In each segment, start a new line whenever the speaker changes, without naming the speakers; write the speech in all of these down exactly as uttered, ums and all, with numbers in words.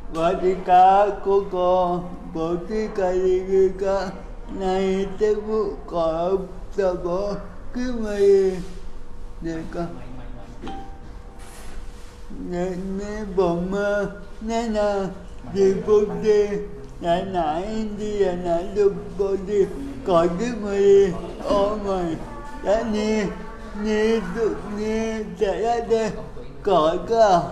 Ketika Koko Boti Kalika Này Tebu Có Sabo Cứ mày Để có Nên mê bổng mơ Nên là Đi bố đi Nãy nãy đi nãy được bố đi Có cứ mày Ô mày Đã nè Nè tụ nè Chạy ra đây Có cả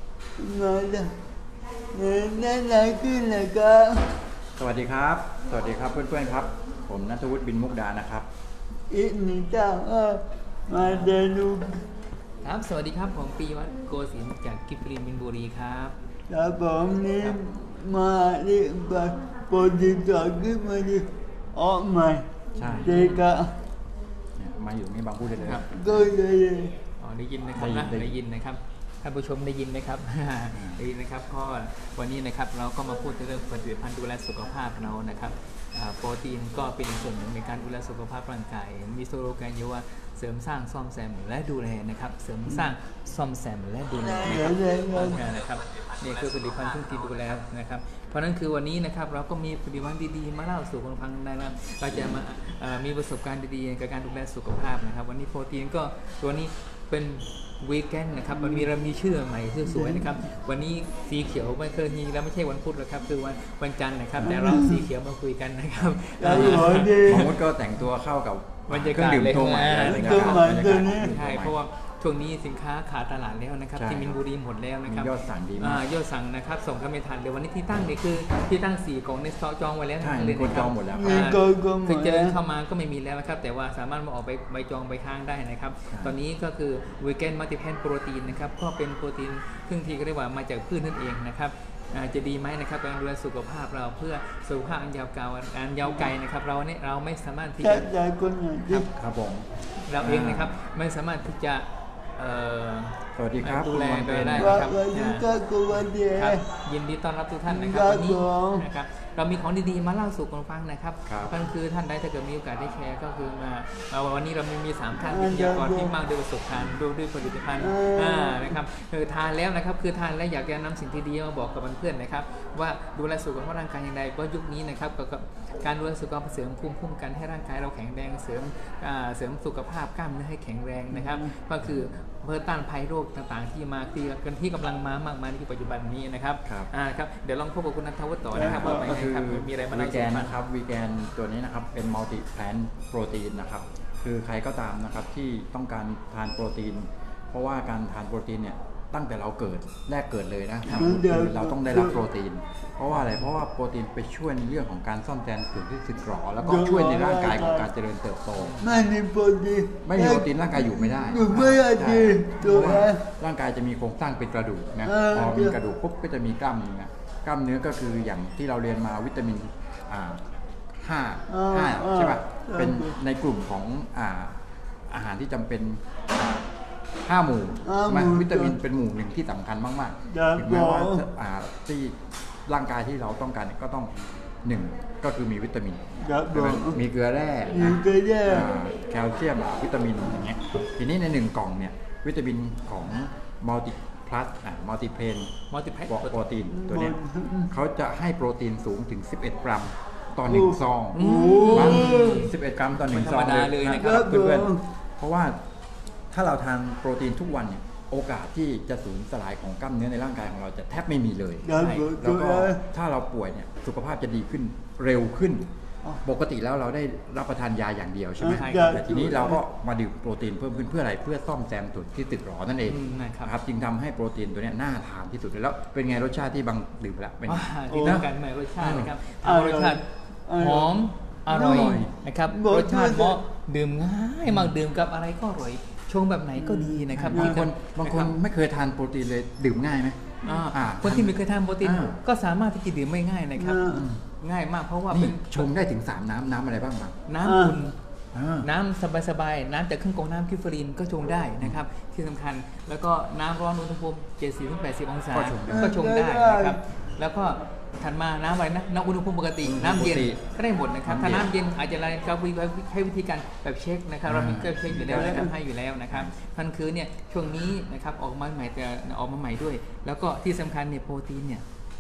Nói làนั่นแหละขึ้นเลยครับ
สวัสดีครับสวัสดีครับเพื่อนๆครับผมณัฐวุฒิบินมุกดานะครับ
อีกหนึ่งเจ้าเออมาเดินดู
ครับสวัสดีครับผมปีวัฒน์โกศินทร์จากกิฟรีนบินบุรีครับ
ครับผมนี่มาดิบโปรดิวเซอร์ขึ้นมาดิออกใหม่
ใช่
เด็กอะ
มาอยู่นี่บางพูดได้เลยครับ
ก็เลย
อ๋อได้ยินนะครับนะได้ยินนะครับท่านผู้ชมได้ยินไหมครับ ได้ยินนะครับเพราะวันนี้นะครับเราก็มาพูดเรื่องผลิตภัณฑ์ดูแลสุขภาพเรานะครับโปรตีนก็เป็นส่วนหนึ่งในการดูแลสุขภาพร่างกายมีสโลแกนอยู่ว่าเสริมสร้างซ่อมแซมและดูแลนะครับเสริมสร้างซ่อมแซมและดูแลนะครับนี่คือผลิตภัณฑ์ที่ดูแลนะครับเพราะนั้นคือวันนี้นะครับเราก็มีผลิตภัณฑ์ดีๆมาเล่าสู่คนฟังได้แล้วเราจะมามีประสบการณ์ดีๆกับการดูแลสุขภาพนะครับวันนี้โปรตีนก็ตัวนี้เป็นวีแกนนะครับมันมีเรามีชื่อใหม่ชื่อสวยนะครับวันนี้สีเขียวไม่เคยมีแล้วไม่ใช่วันพุธแล้วครับคือวันวันจันทร์นะครับแต่เราสีเขียวมาคุยกันนะครับ
หมอมดก็แต่งตัวเข้ากับบรรยากาศเลยตัวใหม่
ใช่เพราะว่าช่วงนี้สินค้าขาดตลาดแล้วนะครับที่มินบุรีหมดแล้วนะครับ
ยอดสั่งดีมาก
ยอดสั่งนะครับส่งเข้าไม่ทันเดี๋ยววันนี้ที่ตั้งเนี่ยคือที่ตั้งสี่กล่องในสต็อกจองไว้แล้ว
ใช่คนจองหมดแล้ว
คือเจอเข้ามาก็ไม่มีแล้วนะครับแต่ว่าสามารถมาออกไปใบจองใบค้างได้นะครับตอนนี้ก็คือวีแกนมัลติแพนโปรตีนนะครับก็เป็นโปรตีนครึ่งที่เรียกว่ามาจากพืชนั่นเองนะครับจะดีไหมนะครับการดูแลสุขภาพเราเพื่อสุขภาพอันยาวไกลอันยาวไกลนะครับเราเนี่ยเราไม่สามารถที่จะ
ครับผม
เราเองนะครับไม่สามารถที่จะ
สวัสดีครับ
ดูแลโดยได้ครับยินดีต้อนรับทุกท่านนะครับวันนี้นะครับเรามีของดีๆมาเล่าสู่กันฟังนะครับนั่นคือท่านใดถ้าเกิดมีโอกาสได้แชร์ก็คือมาวันนี้เรามีมีสามท่านวิทยากรที่มากด้วยประสบการณ์ด้วยผลิตภัณฑ์นะครับคือทานแล้วนะครับคือทานแล้วอยากจะนำสิ่งที่ดีมาบอกกับเพื่อนๆนะครับว่าดูแลสุขภาพร่างกายอย่างไรเพราะยุคนี้นะครับกับการดูแลสุขภาพเสริมภูมิคุ้มกันให้ร่างกายเราแข็งแรงเสริมเสริมสุขภาพกล้ามเนื้อให้แข็งแรงนะครับก็คือเพื่อต้านภัยโรคต่างๆที่มาที่กันที่กำลังมามากมายในปัจจุบันนี้นะครับอ่าครับเดี๋ยวลองพบกับคุณณัฐวุฒิต่อนะครับว่าไปครับมีอะไรมา
วีแกนนะครับวีแกนตัวนี้นะครับเป็นมัลติแพลนโปรตีนนะครับคือใครก็ตามนะครับที่ต้องการทานโปรตีนเพราะว่าการทานโปรตีนเนี่ยตั้งแต่เราเกิดแรกเกิดเลยนะคือเราต้องได้รับโปรตีนเพราะว่าอะไรเพราะว่าโปรตีนไปช่วยในเรื่องของการซ่อมแซมส่วนที่สึกหรอแล้วก็ช่วยในร่างกายของการเจริญเติบโต
ไม่มีโปรตีน
ไม่มีโปรตีนร่างกายอยู่ไม่ได้
อยู่ไม่ได้
ตัวร่างกายจะมีโครงสร้างเป็นกระดูกนะพอมีกระดูกปุ๊บก็จะมีกล้ามเนื้อกล้ามเนื้อก็คืออย่างที่เราเรียนมาวิตามินอ่าห้าห้าใช่ป่ะเป็นในกลุ่มของอ่าอาหารที่จำเป็นห้าหมู่มันวิตามินเป็นหมู่หนึ่งที่สำคัญมากๆถึงแม้ว่าที่ร่างกายที่เราต้องการก็ต้องหนึ่งก็คือมีวิตามินมีเกลือแร่แคลเซียมวิตามินอย่างเงี้ยทีนี้ในหนึ่งกล่องเนี่ยวิตามินของมัลติพลัสอ่ะมัลติเพน
มัลติแพค
โปรตีนตัวนี้เขาจะให้โปรตีนสูงถึงสิบเอ็ดกรัมต่อหนึ่งซองสิบเอ็ดกรัมต่อหนึ่งซอง
เลยนะครับ
เพื่อนๆเพราะว่าถ้าเราทานโปรตีนทุกวันเนี่ยโอกาสที่จะสูญสลายของกล้ามเนื้อในร่างกายของเราจะแทบไม่มีเลยแล้วก็ถ้าเราป่วยเนี่ยสุขภาพจะดีขึ้นเร็วขึ้นปกติแล้วเราได้รับประทานยาอย่างเดียวใช่ไหมแต่ทีนี้เราก็มาดื่มโปรตีนเพิ่มขึ้นเพื่ออะไรเพื่อซ่อมแซมส่วนที่สึกหรอนั่นเองครับจึงทำให้โปรตีนตัวนี้น่าทานที่สุดแล้วเป็นไงรสชาติที่บางดื่มแล้วเป็น
ดีนะกันใหม่รสชาตินะครับรสชาติหอมอร่อยนะครับรสชาติเหมาะดื่มง่ายมากดื่มกับอะไรก็อร่อยชงแบบไหนก็ดีนะครับ
บางคนบางคนไม่เคยทานโปรตีนเลยดื่มง่ายไหม
คนที่ไม่เคยทานโปรตีนก็สามารถที่จะดื่มไม่ง่ายนะครับง่ายมากเพราะว่าเป็น
ชงได้ถึงสามน้ำน้ำอะไรบ้างบ้าง
น้ำอุ่นน้ำสบายๆน้ำจากเครื่องกรองน้ำคิฟรีนก็ชงได้นะครับที่สำคัญแล้วก็น้ำร้อนอุณหภูมิเจ็ดสิบถึงแปดสิบองศาก็ชงได้นะครับแล้วก็ถัดมาน้ำอะไรนะน้ำอุณหภูมิปกติน้ำเย็นก็ได้หมดนะครับถ้าน้ำเย็นอาจจะอะไรก็ให้วิธีการแบบเช็คนะครับเรามีเครื่องเช็คอยู่แล้วและทำให้อยู่แล้วนะครับนั่นคือเนี่ยช่วงนี้นะครับออกมาใหม่แต่ออกมาใหม่ด้วยแล้วก็ที่สำคัญเนี่ยโปรตีนเนี่ย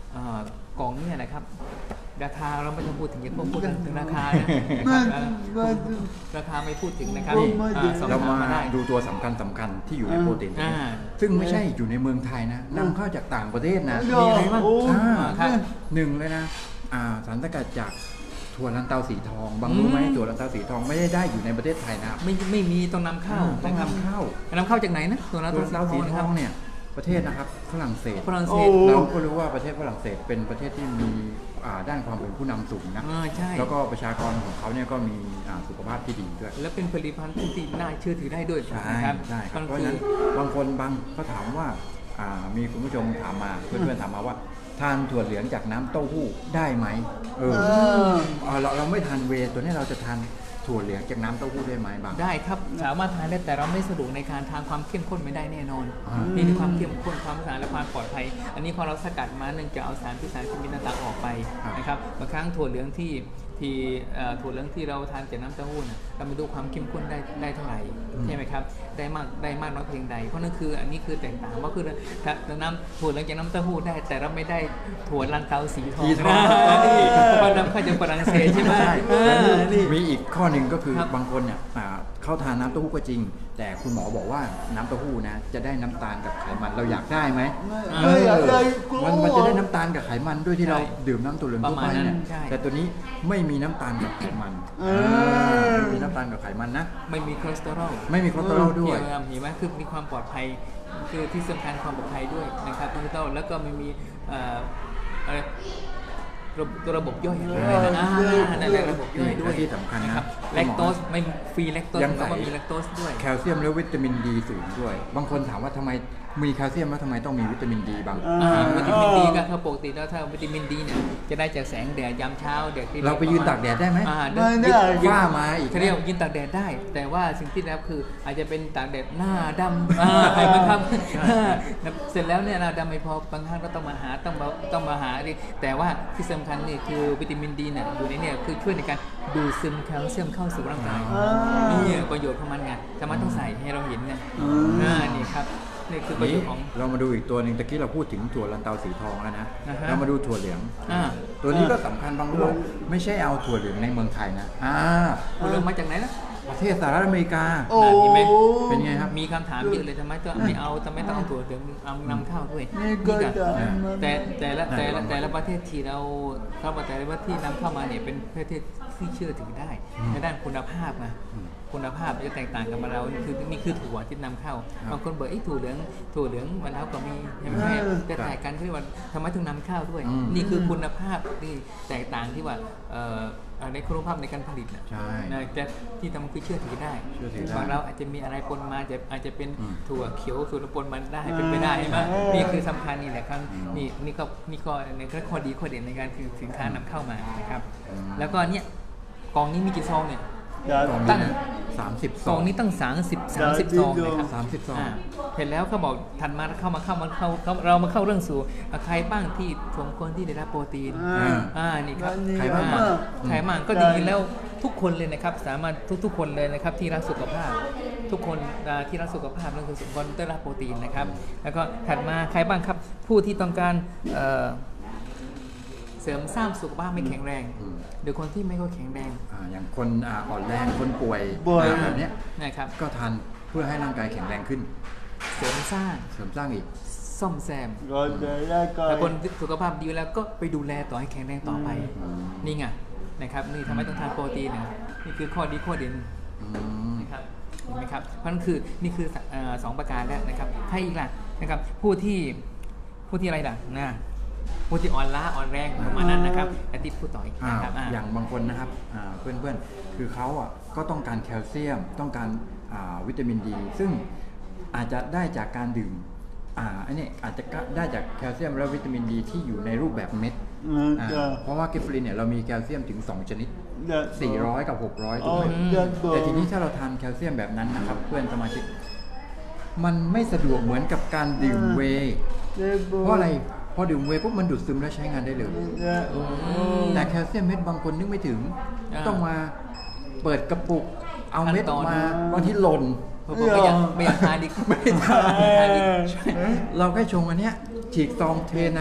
เอ่อกล่องเนี่ยนะครับราคาเราไม่ต้องพูดถึงอย่าพูดถึงราคานะ
ไม่
นะครับ
ไม่
ราคาไม่พูดถึงนะครับ
นี่
อ่าสอบ
เรา
ถาม
มา
มาได้
ดูตัวสำคัญสำคัญที่อยู่ในโปรตีนตัวนี้
อ่า
ซึ่งไม่ใช่อยู่ในเมืองไทยนะนำเข้าจากต่างประเทศนะ
มีอะไรบ้าง
โอ้
อ่า
ครับ
หนึ่งเลยนะอ่าสารสกัดจากถั่วลันเตาสีทอง บางรู้ไหม
อืม
ถั่วลันเตาสีทองไม่ได้ได้อยู่ในประเทศไทยนะ
ไม่ไม่มีต้องนำเข้า
ต้องนำเข้า
นำเข้าจากไหนนะตัวนั้น
ถั่วลันเตาสี
นะ
ท
ครั
อบ งเนี่ยประเทศนะครับฝรั่งเศส
ฝรั่งเศ
โอ้
ส
เราก็รู้ว่าประเทศฝรั่งเศสเป็นประเทศที่มีอ่าด้านความเป็นผู้นำสูงนะ
อ่าใช่
แล้วก็ประชากรของเขาเนี่ยก็มีอ่าสุขภาพที่ดีด้วย
แล้วเป็นผลิตภัณฑ์ที่น่าเชื่อถือได้ด้วย
ใช่
นะครับ
ใช่ครับ
ก็
เพราะ
คื
ฉะ
อ
นั้นบางคนบางเขาถามว่าอ่ามีคุณผู้ชมถามมาเพื่อนๆถามมาว่า ทานถั่วเหลืองจากน้ำเต้าหู้ได้ไหมเออ
เออ
เอาเราเราไม่ทานเวย์ตัวนี้เราจะทานถั่วเหลืองจากน้ำเต้าหู้ได้ไหมบาง
ได้ครับสามารถทานได้แต่เราไม่สะดวกในการทานความเข้มข้นไม่ได้แน่นอน
อ่า
นี่คือความเข้มข้นความสะอาดและความปลอดภัย อันนี้พอเราสกัดมาเนื่องจากเอาสารพิษสารเคมีต่างๆออกไปนะครับบางครั้งถั่วเหลืองที่ที่เอ่อถั่วเหลืองที่เราทานจากน้ำเต้าหู้น่ะเราไม่รู้ความเข้มข้นได้ได้เท่าไหร่ใช่ไหมครับได้มากได้มากน้อยเพียงใดเพราะนั่นคืออันนี้คือแตกต่างว่าคือถ้าน้ำถั่วเหลืองจากน้ำเต้าหู้ได้ แต่เราไม่ได้ถั่วลันเตาสีทอง
สีทอง
นะนี่เพราะนำเข้าจากฝรั่งเศสใช่ไหม
ใช่
เอ
แล้ว
อนี่
มีอีกข้อหนึ่งก็คือ
ครับ
บางคนเนี่ยอ่าเขาทานน้ำเต้าหู้ก็จริง แต่คุณหมอบอกว่าน้ำเต้าหู้นะจะได้น้ำตาลกับไขมันเราอยากได้ไหม
ไม่ไม่อยากได้กลัว
มันมันจะได้น้ำตาลกับไขมันด้วยที่เราดื่มน้ำตัวเหลืองทั่วไปเนี่ย
ประมาณนั้นใช่
แต่ตัวนี้ไม่มีน้ำตาลกับไขมัน
เออ
ไม่มีน้ำตาลกับไขมันนะ
ไม่มีคอเลสเตอรอล
ไม่มีคอเลสเตอรอลด้วย
เห็นไหมเห็นไหมคือมีความปลอดภัยคือที่สำคัญความปลอดภัยด้วยนะครับคอเลสเตอรอลแล้วก็ไม่มีเอ่ออะไรระบบตัวระบบย่อยอะไรนะอ่านั่นแหละระบบย่อยด้วย
และที่สำคัญนะ
ครับ
คุณหมอ
แลคโตสไม่ฟรีแลคโตส
ยัง
แล้วก็
ใส่
มีแลคโตสด้วย
แคลเซียมและวิตามินดีสูงด้วย บางคนถามว่าทำไมมีแคลเซียมแล้วทำไมต้องมีวิตามินดีบาง
อ่า
อ่าวิตามินดีก็คือปกติแล้วถ้าวิตามินดีเนี่ยจะได้จากแสงแดดยามเช้าแดดที่
เราไปยืนตากแดดได้ไหม
อ่า
ไม่ได้
ฝ้ามาอีก
เขาเรียกว่ายืนตากแดดได้ แต่ว่าสิ่งที่แล้วคืออาจจะเป็นตากแดดหน้าดำอ่าใครมันครับเสร็จแล้วเนี่ยหน้าดำไม่พอบางครั้งก็ต้องมาหาต้องมาต้องมาหาดิแต่ว่าที่สำคัญนี่คือวิตามินดีเนี่ยอยู่ในเนี่ยคือช่วยในการดูดซึมแคลเซียมเข้าสู่ร่างกาย
อ่านี่
นี่ประโยชน์ของมันไงทำไมต้องใส่ให้เราเห็นเนี่ย
อืม
อ่านี่ครับนี่คือประโย
นี้
ชน์ของ
เรามาดูอีกตัวหนึ่งตะกี้เราพูดถึงถั่วลันเตาสีทองแล้วนะ
อ่าฮะ
เรามาดูถั่วเหลือง
อ่า
ตัวนี้ก็สำคัญบางรู้ไม่ใช่เอาถั่วเหลืองในเมืองไทยนะอ่า
คุณเริ่มมาจากไหนนะ
ประเทศสหรัฐอเมริกา
โอ้
เห็นไหม
เป็นไงครับ
มีคำถามเยอะเลยทำไมต้องไม่เอาทำไมต้องเอาตัวเหลืองเอานำเข้าด้วย
นี่ก็
นี่
จะ
แต่แต่ละแต่ละ
อ่า
แต่ละประเทศที่เราเข้ามาแต่ละประเทศที่นำเข้ามาเนี่ยเป็นประเทศที่เชื่อถือได้ในด้านคุณภาพนะคุณภาพจะแตกต่างกันมาเรานี่คือนี่คือถั่วที่นำเข้าบางคนบอกไอ้ยถั่วเหลืองถั่วเหลืองมันแล้วก็มีใช่ไหมแต่แตกกันที่ว่าทำไมถึงนำเข้าด้วย
อืม
นี่คือคุณภาพที่แตกต่างที่ว่าเอ่อในคุณภาพในการผลิตนะ
ใช่
นะจะที่ทำคือเชื่อถือได้
เชื่อถือได้
บางเราอาจจะมีอะไรปนมาจะอาจจะเป็น
อืม
ถั่วเขียวถั่วปนมันได้เป็นไปได้ใช่ไหม
เออ
นี่คือสำคัญนี่แหละครับ
อืม
นี่นี่ก็นี่ก็ในข้อดีข้อเด่นในการคือสินค้านำเข้ามานะครับ
อืม
แล้วก็เนี่ยกล่องนี้มีกี่ซองเนี่ย
จะ
กล่อง
ตั้
นี้
ง
สามสิบ
ซองนี้ตั้งสามสิบสามสิบซองนะครับ
สามสิบซอง
าเสร็จแล้วเขาบอกถัดมาเข้ามาเข้ามาเข้าเข้าเรามาเข้าเรื่องสู่อ่ะใครบ้างที่สมควรที่ได้รับโปรตีน
อ่า
อ่านี่ครับ
วันนี้
ใครบ้าง
อ่
อ่ะ
ใครบ้างก็จริงๆแล้วทุกคนเลยนะครับสามารถทุกๆคนเลยนะครับที่รักสุขภาพ ทุกคนอ่าที่รักสุขภาพนั่นคือสมควรได้รับโปรตีนนะครับ แล้วก็ถัดมาใครบ้างครับผู้ที่ต้องการเอ่อเสริมสร้างสุขภาพไม่แข็งแรง
อืม
หรือคนที่ไม่ค่อยแข็งแรง
อ่าอย่างคนอ่าอ่อนแรงคนป่วย
ป่วย
อ่าแบบเนี้ย
นะครับ
ก็ทานเพื่อให้ร่างกายแข็งแรงขึ้น
เสริมสร้าง
เสริมสร้างอีก
ซ่อมแซม
ก็จะได้ก็
แต่คนสุขภาพดีแล้วก็ไปดูแลต่อให้แข็งแรงต่อไป
อืม
นี่ไงนะครับนี่ทำไมต้องทานโปรตีนนะนี่คือข้อดีข้อเด่น
อืม
นะครับเห็นไหมครับเพราะนั่นคือนี่คือเอ่อสองประการแล้วนะครับใครอีกล่ะนะครับผู้ที่ผู้ที่อะไรล่ะนะผู้ที่อ่อนล้าอ่อนแรงประมาณนั้นนะครับอาทิตย์พูดต่ออีก
อ่า
นะครับอ่า
อย่างบางคนนะครับอ่าเพื่อนๆ คือเขาอ่ะก็ต้องการแคลเซียม ต้องการอ่าวิตามินดี ซึ่งอาจจะได้จากการดื่มอ่าอันนี้อาจจะได้จากแคลเซียมและวิตามินดีที่อยู่ในรูปแบบเม็ด
อืม
อ่า
จะ
เพราะว่ากิฟฟลินเนี่ยเรามีแคลเซียมถึง สอง ชนิด
จะ
สี่ร้อย กับ หกร้อยถูกไหม
อ๋อจะบอก
แต่ทีนี้ถ้าเราทานแคลเซียมแบบนั้นนะครับ เพื่อนสมาชิก มันไม่สะดวกเหมือนกับการดื่มเวย์
จะบอก
เพราะอะไร พอดื่มเวย์ปุ๊บมันดูดซึมและใช้งานได้เลย
จะ
แต่แคลเซียมเม็ดบางคนนึกไม่ถึง
อ่า
ต้องมาเปิดกระปุก เอาเม็ด
ขั้นตอน
มาบางทีหล่น
เผื่อๆไม่อยากไม่อยากทานอีกไม่อยากทานอีก
เราแค่ชงอันเนี้ยฉีกซองเทน้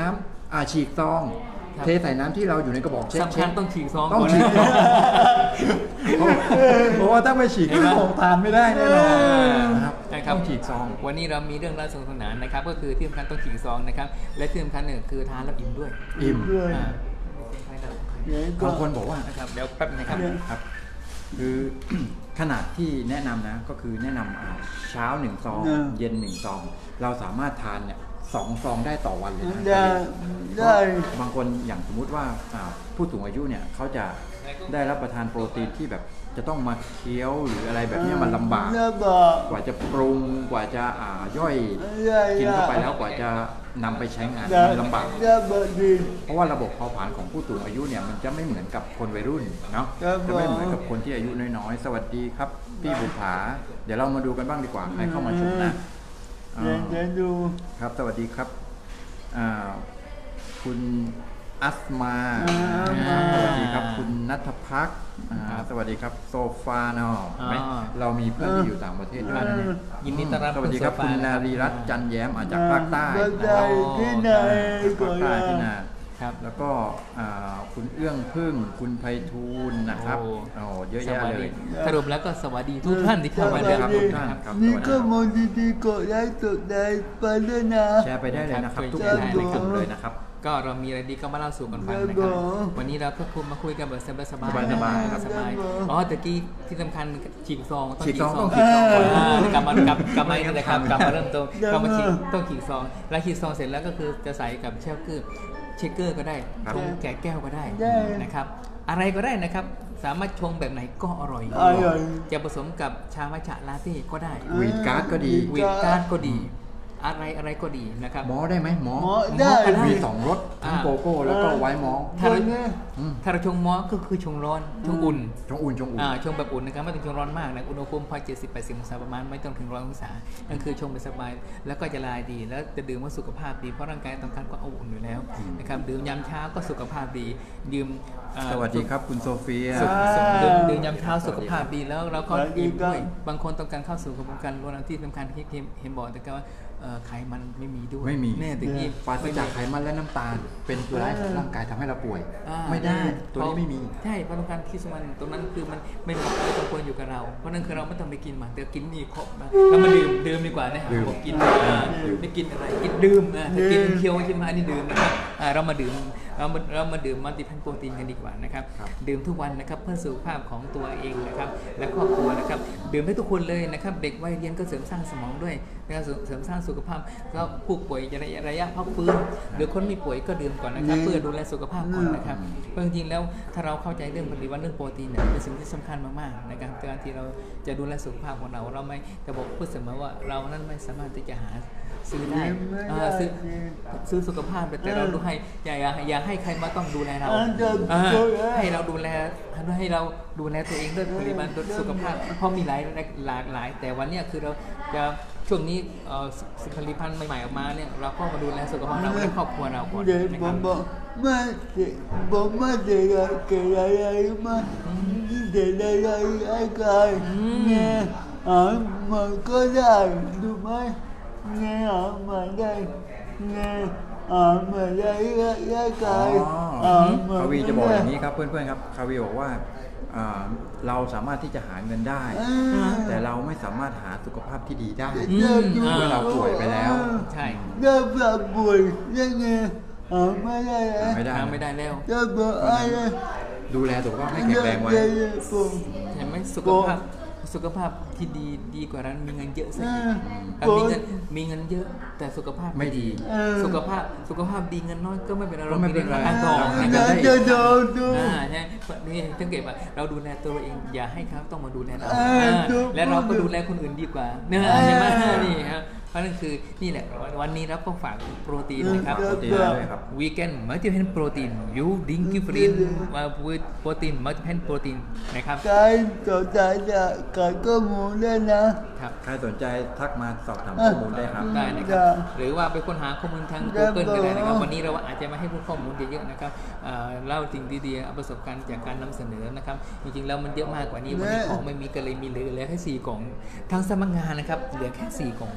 อ่าฉีกซอง
ครับ
เทใส่น้ำที่เราอยู่ในกระบอกเช็ค
สำคัญต้องฉีกซอง
ต้อง
ก่อน
ฉีกซองเพราะเพราะว่าถ้าไม่ฉีก
เห็นไหม
ของทานไม่ได้แน่นอนนะครับ
นะครับ
ต้องฉีกซอง
วันนี้เรามีเรื่องราวสนุกสนานนะครับ ก็คือที่สำคัญต้องฉีกซองนะครับ และที่สำคัญเนี่ยคือทานแล้วอิ่มด้วย
อิ่ม
ด้วย
อ่า
เดี๋ยวก็
บางคนบอกว่า
นะครับเดี๋ยวแป๊บนะครับ
ครับ คือ ขนาดที่แนะนำนะก็คือแนะนำอ่าเช้าหนึ่งซอง
เออ
เย็นหนึ่งซอง เราสามารถทานเนี่ยสองซองได้ต่อวันเลยนะ
ได้ได้
บางคนอย่างสมมุติว่าอ่าผู้สูงอายุเนี่ยเขาจะได้รับประทานโปรตีนที่แบบจะต้องมาเคี้ยวหรืออะไรแบบเนี้ยมันลำบาก
ลำบาก
กว่าจะปรุงกว่าจะอ่าย่อย
ได้
กินเข้าไปแล้วกว่าจะนำไปใช้งาน
ได้
มันลำบาก
ได้บดี
เพราะว่าระบบเผาผลาญของผู้สูงอายุเนี่ยมันจะไม่เหมือนกับคนวัยรุ่นเนาะ
ครับ
จะไม่เหมือนกับคนที่อายุน้อยๆ สวัสดีครับพี่บุภาเดี๋ยวเรามาดูกันบ้างดีกว่าใครเข้ามาชมนะ
เดี๋ยวเดี๋ยวดู
ครับสวัสดีครับอ่าคุณอัสมา
อ่า
อ่าสวัสดีครับคุณนัทพักอ่า
ครับ
สวัสดีครับโซฟาเนาะ
อ่า
ไหมเรามีเพื่อนที่อยู่ต่างประเทศด้วยนะเนี่ย
ยินดีต้อนรับ
สวัสดีครับ
ณ
คุณ
โซฟ
นารีรัตน์จันแย้มอาจากภาคใต้
ภาค
นะ
ใต้
ครับ
ที่ไหน
ภาคใต้ที่นา
ครับ
แล้วก็อ่าคุณเอื้องพึ่งคุณไพฑูรย์นะครับ
โอ้
โอ้เยอะ
ส
แยะ
วัส
เล
ดี
ย
สรุปแล้วก็สวัสดีทุกท่านที่เข้ามา
สวัสดี
เรื่อง
ครับทุกท่าน ครับ
มีข้อมูลดีๆกดไลค์กดไลค์ไปด้วยนะ
แชร์ไปได้เลยนะครับ
ครับ
ทุก
ช่วย
กลุ่ม
แชร์
ทุก
เลยครับ
กลุ่มเลยนะครับ
ก็เรามีอะไรดีก็มาเล่าสู่กันฟังนะ
ค
ค
รั
รั
บบ ผม
วันนี้เราก็คุยมาคุยกันแบบสบายๆ
สบายๆ
นะครับสบาย
ครับผม
อ๋อตะกี้ที่สำคัญฉีกซองต้อง
ฉี
ฉี
ก
ก
ซอง
ซ
ต้
อ
อง งฉีกซอง
อ่ากลับมากลับกลับมานี่นะครับกลับมาเริ่มต้น
เดี๋ยว
ก็มาฉีก
มา
ต้องฉีกซอง แล้วฉีกซองเสร็จแล้วก็คือจะใส่กับเชลเกอร์เชคเกอร์ก็ได้
ครับ
ชงแกะแก้วก็ได้
ได้
นะครับ อะไรก็ได้นะครับ สามารถชงแบบไหนก็อร่อย
อร่อย
จะผสมกับชามัทฉะลาเต้ก็ได้
วีดการ์ดก็ดี
วีดการ์ดก็ดี อะไรอะไรก็ดีนะครับ
หมอได้ไหมหมอ
หมอได้
ก็ได้
มีสองรสทั้ง
อ่า
โกโก้แล้วก็ไวท์มอลต์
ถ้าเรา
อืม
ถ้าเราชงมอสก็คือชงร้อนชงอุ่น
ชงอุ่นชงอุ่น
อ่าชงแบบอุ่นนะครับไม่ต้องชงร้อนมากนะอุณหภูมิพอเจ็ดสิบแปดสิบองศาประมาณไม่ต้องถึงร้อยองศานั่นคือชงไปสบายแล้วก็จะลายดี แล้วจะดื่มว่าสุขภาพดีเพราะร่างกายต้องการความอบอุ่นอยู่แล้วนะครับดื่มยามเช้าก็สุขภาพดีดื่มอ่า
สวัสดีครับคุณโซเฟีย
สุข
อ่า
สุขดื่มดื่มยามเช้าสุขภาพดีแล้วเราก็
สวัสดี
อิ่ม
ครับ
ด้วยบางคนต้องการเข้าสู่กระบวนการลดน้ำที่สำคัญที่เห็นบอกแต่ก็ว่าเอ่อไขมันไม่มีด้วย
ไม่มี
แน่แต่ที่
ปราศจากไขมันและน้ำตาล เป็นตัวร้ายของร่างกายทำให้เราป่วย
อ่า
ไม่ได้ ตัวนี้ไม่มี
ใช่เพราะต้องการคิดสมันตรงนั้นคือมันไม่เหมาะไม่ต้องควรอยู่กับเรา เพราะนั่นคือเราไม่ต้องไปกินมันแต่กินนี่ครบนะเรามาดื่มดื่มดีกว่านะ
ดื่ม
ผมกินอ่าไม่กินอะไรกินดื่มอ่ะถ้ากินเคี้ยวใช่ไหมอันนี้ดื่มนะครับอ่าเรามาดื่มเรามาเรามาดื่มมัลติพันโปรตีนกันดีกว่านะครับ
ครับ
ดื่มทุกวันนะครับเพื่อสุขภาพของตัวเองนะครับและครอบครัวนะครับดื่มให้ทุกคนเลยนะครับเด็กวัยเรียนก็เสริมสร้างสมองด้วยนะครับเสริมสร้างสุขภาพก็ผู้ป่วยระยะระยะพักฟื้นหรือคนไม่ป่วยก็ดื่มก่อนนะครับเพื่อดูแลสุขภาพก่อนนะครับเพราะจริงๆแล้วถ้าเราเข้าใจเรื่องปฏิวัติเรื่องโปรตีนเนี่ยเป็นสิ่งที่สำคัญมากๆในการการที่เราจะดูแลสุขภาพของเราเราไม่จะบอกพูดเสมอว่าเรานั้นไม่สามารถที่จะหาซื้อได้
ไม่
เอ่
ได้
อซื้อซื้อสุขภาพแต่เราดูให้อย่าอย่าอย่าให้ใครมาต้องดูแลเรา
อ่าจะ
อ่า
ดูแล
ให้เราดูแลให้เราดูแลตัวเองด้วยปริมาณสุขภาพเพราะมีหลายหลากหลาย แต่วันเนี้ยคือเราจะช่วงนี้เอ่อสิผลิตภัณฑ์ใหม่ๆออกมาเนี่ยเราก็มาดูแลสุขภาพเราและครอบครัวเราก่อน
เดี๋ยว
นะ
ผ
ครั
ม
บ
บอกไม่เด็กผมไม่เด็กเกิดอะไรมาเด็กอะไรไอ้กายเนี่ยอ่ามันก็ได้ดูไหมเนี่ยอ่ามันได้เนี่ยอ่ามันได้ไอ้กายอ่ามัน
คาวีจะบอกอย่างนี้ครับเพื่อนๆครับคาวีบอกว่าอ่าเราสามารถที่จะหาเงินได้ แต่เราไม่สามารถหาสุขภาพที่ดีได้
อืม
เมื่อเราป่วยไปแล้ว
ใช่
เริ่มแบบป่วยยังไงอ่าไม่ได้
หาไม่ได้
ทางไม่ได้แล้ว
จะบอกอะไร
ดูแลสุขภาพให้แข็งแรงไว้
ผม
เห็นไหมสุขภาพสุขภาพที่ดีดีกว่านั้นมีเงินเยอะซะอีก
อืม
อ่ะมีเงินมีเงินเยอะแต่สุขภาพ
ไม่ดี
เออ
สุขภาพสุขภาพดีเงินน้อยก็ไม่เป็นไร
ก็
เรา
ไม่
มี
เป็น
เรื่อง
ไร
ทางทอง
เรา
นะ
จะ
ครับ
จะดูดู
อ่าใช่นี่สังเกตว่าเราดูแลตัวเราเองอย่าให้เขาต้องมาดูแลเรา
เออ
อ่า
ดู
และเราก็ดูแลคนอื่นดีกว่าเนอะ
เออ
ใช่ไหมนี่ครับเพราะนั่นคือนี่แหละวันนี้เราก็ฝากโปรตีนนะครับ
โปรตีนด้วยครับ
Weekend Multiple Protein You Drink Different with Protein Multiple Protein นะครับ
ใครสนใจจะขายข้อมูลได้นะครับ
ใครสนใจทักมาสอบถามข้อมูลได้ครับ
ได้นะครับ
ได้
หรือว่าไปค้นหาข้อมูลทาง
ได้
Google ก็ได้นะครับ
ครับ
วันนี้เราอาจจะมาให้ผู้ข้อมูลเยอะๆนะครับเอ่อเล่าสิ่งดีๆเอาประสบการณ์จากการนำเสนอนะครับ จริงๆแล้วมันเยอะมากกว่านี้วันนี้ของไม่มีก็เลยมีเหลือเหลือแค่สี่กล่องทางสำนักงานนะครับเหลือแค่สี่กล่องนะครับ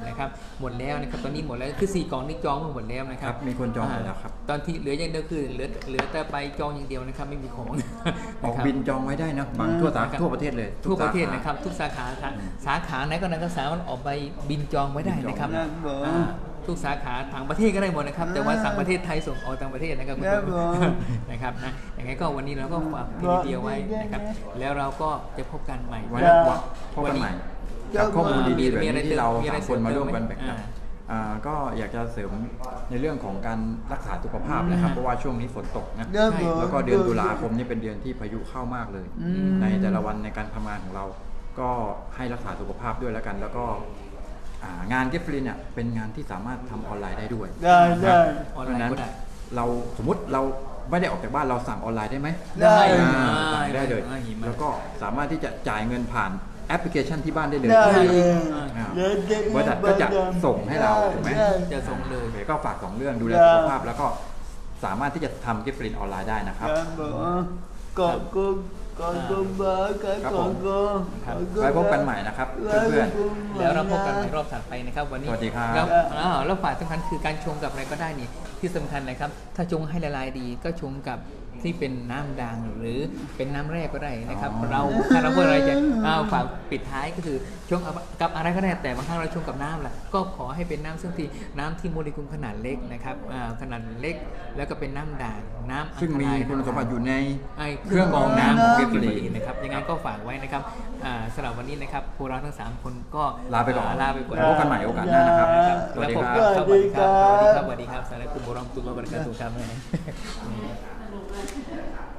หมดแล้วนะครับตอนนี้หมดแล้วคือสี่กล่องนี่จองหมดแล้วนะค
ค
รั
รับ บมีคนจองหมดแล้วครับ
ตอนที่เหลืออย่างเดียวคือเหลือเหลือแต่ไปจองอย่างเดียวนะครับไม่มีของ
ออก
ะครับ
บินจองไว้ได้นะบางทั่วสา
ครับ
ทั่วประเทศเลย
ทั่วประเทศ
สาขา
นะครับทุกสาขาครับสาขาไหนก็นั้นก็สามารถออกไปบินจองไว้ได้นะครับ
ครับผม
อ่าทุกสาขาต่างประเทศก็ได้หมดนะครับแต่ว่าต่างประเทศไทยส่งออกต่างประเทศนะครับคุณ
ครับ
ผู้ช
ผม
มนะครับนะยังไงก็วันนี้เราก็ฝากทีเดียวไว้นะครับแล้วเราก็จะพบกันใหม่
ไว้
ครั
ว่าพบกันใหม่กับข้อมูลดีๆแบบนี้ที่เราสามคนมาร่วมกันแบ่งปันอ่าก็อยากจะเสริมในเรื่องของการรักษาสุขภาพนะครับเพราะว่าช่วงนี้ฝนตกนะ
ครับผม
แล้วก็เดือนตุลาคมนี่เป็นเดือนที่พายุเข้ามากเลย
อืม
ในแต่ละวันในการทำงานของเรา ก็ให้รักษาสุขภาพด้วยแล้วกัน แล้วก็อ่างานเก็บฟรีเนี่ยเป็นงานที่สามารถทำออนไลน์ได้ด้วย
ได้ได้
ออน
เพ
ไล
ราะฉะ
น์
นั้น
ก็ได้
เราสมมติเราไม่ได้ออกจากบ้านเราสั่งออนไลน์ได้ไหม
ได้
อ่า
ได้
สั่งได้เลย
ได้หิมะ
แล้วก็สามารถที่จะจ่ายเงินผ่านแอปพลิเคชันที่บ้านได้เลย
ได้เลย
อ่า
เดี๋ยวจะ
บริษัทก็จะส่งให้เราถูกไหม
ด้
จะส่งเลย
โอเคก็ฝากสองเรื่องดูแล
ได้
สุขภาพแล้วก็สามารถที่จะทำกิฟต์ฟรีออนไลน์ได้นะค
ค
รั
รับ บผมขอบคุณขอบคุณมากครับ
ครับ
ข
ผ
อบ
ม
คุณขอบคุณ
ไว้พบกันใหม่นะครับ
ไว้
เพื่อน
พบกันใหม่
แล้วเราพบกันในรอบถัดไปนะครับวันนี้
สวัสดีครับ
แล้วอ่าแล้วฝ่ายสำคัญคือการชงกับอะไรก็ได้นี่ที่สำคัญนะครับ ถ้าชงให้ละลายดีก็ชงกับที่เป็นน้ำด่างหรือเป็นน้ำแร่ก็ได้นะครับ
อ๋อ
เราถ้าเราพูดอะไรจะเอาฝากปิดท้ายก็คือชงกับอะไรก็ได้แต่บางครั้งเราชงกับน้ำแหละก็ขอให้เป็นน้ำซึ่งที่น้ำที่โมเลกุลขนาดเล็กนะครับอ่าขนาดเล็กแล้วก็เป็นน้ำด่างน้ำอัน
ซึ่ง
ต
มี
ราย
คุณสมบัติอยู่ใน
ไอ้
เครื่องกรองน้ำของ
เก็
Gift
บ
Free
ฟรีนะครับยังไงก็ฝากไว้นะครับอ่าสำหรับวันนี้นะครับพวกเราทั้งสามคนก็
ลาไปก่อน
ลาไปก่อน
พบกันใหม่โอกาสหน้านะครับ
ครับ
สวัสดีครับ
แล้วพบกันครับสวัสดีครับสวัสดีครับสวัสดีครับสวัสดีครับสวัสดีครับสวัสดีครับ